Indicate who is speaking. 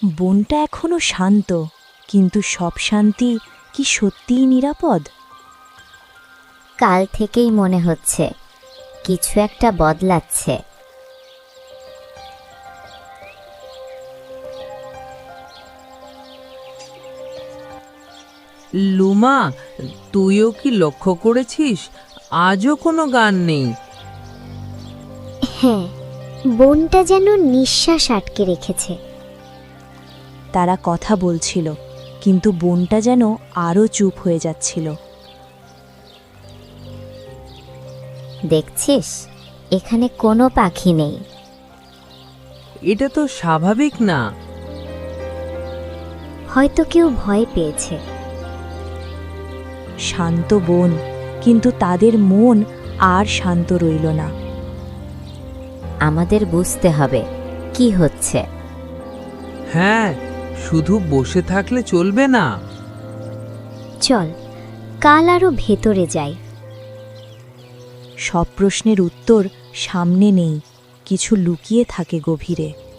Speaker 1: বনটা এখনো শান্ত, কিন্তু সব শান্তি কি সত্যিই নিরাপদ?
Speaker 2: কাল থেকেই মনে হচ্ছে কিছু একটা বদলাচ্ছে।
Speaker 3: লুমা, তুইও কি লক্ষ্য করেছিস আজও কোনো গান নেই?
Speaker 2: হ্যাঁ, বনটা যেন নিঃশ্বাস আটকে রেখেছে।
Speaker 1: তারা কথা বলছিল, কিন্তু বনটা যেন আরও চুপ হয়ে যাচ্ছিল।
Speaker 2: দেখছিস, এখানে কোনো পাখি নেই।
Speaker 3: এটা তো স্বাভাবিক না।
Speaker 2: হয়তো কেউ ভয় পেয়েছে।
Speaker 1: শান্ত বন, কিন্তু তাদের মন আর শান্ত রইল না।
Speaker 2: আমাদের বুঝতে হবে কি হচ্ছে।
Speaker 3: হ্যাঁ, শুধু বসে থাকলে চলবে না।
Speaker 2: চল, কাল আরো ভেতরে যাই।
Speaker 1: সব প্রশ্নের উত্তর সামনে নেই, কিছু লুকিয়ে থাকে গভীরে।